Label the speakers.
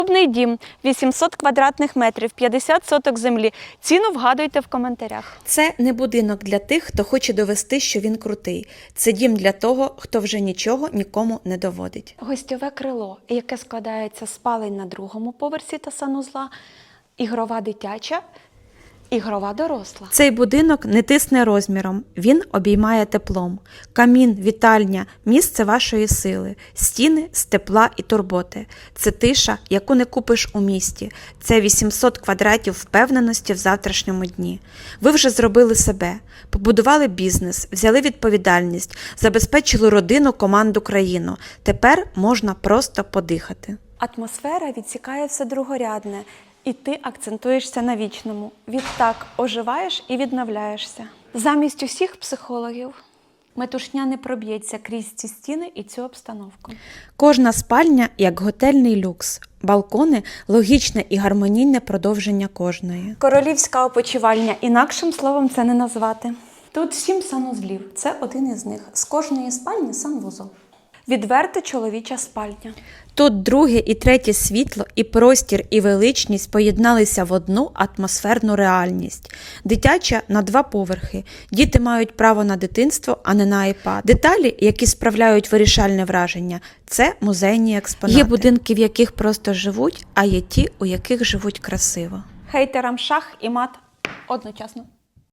Speaker 1: Клубний дім, 800 квадратних метрів, 50 соток землі. Ціну вгадуйте в коментарях.
Speaker 2: Це не будинок для тих, хто хоче довести, що він крутий. Це дім для того, хто вже нічого нікому не доводить.
Speaker 1: Гостьове крило, яке складається з спалень на другому поверсі та санузла, ігрова дитяча, ігрова доросла.
Speaker 2: Цей будинок не тисне розміром, він обіймає теплом. Камін, вітальня – місце вашої сили, стіни з тепла і турботи. Це тиша, яку не купиш у місті. Це 800 квадратів впевненості в завтрашньому дні. Ви вже зробили себе, побудували бізнес, взяли відповідальність, забезпечили родину, команду, країну. Тепер можна просто подихати.
Speaker 1: Атмосфера відсікає все другорядне, і ти акцентуєшся на вічному. Відтак оживаєш і відновляєшся. Замість усіх психологів метушня не проб'ється крізь ці стіни і цю обстановку.
Speaker 2: Кожна спальня – як готельний люкс. Балкони – логічне і гармонійне продовження кожної.
Speaker 1: Королівська опочивальня, інакшим словом це не назвати. Тут 7 санузлів, це один із них. З кожної спальні санвузол. Відверта чоловіча спальня.
Speaker 2: Тут друге і третє світло, і простір, і величність поєдналися в одну атмосферну реальність. Дитяча на 2 поверхи. Діти мають право на дитинство, а не на iPad. Деталі, які справляють вирішальне враження – це музейні експонати. Є будинки, в яких просто живуть, а є ті, у яких живуть красиво.
Speaker 1: Хейтерам шах і мат одночасно.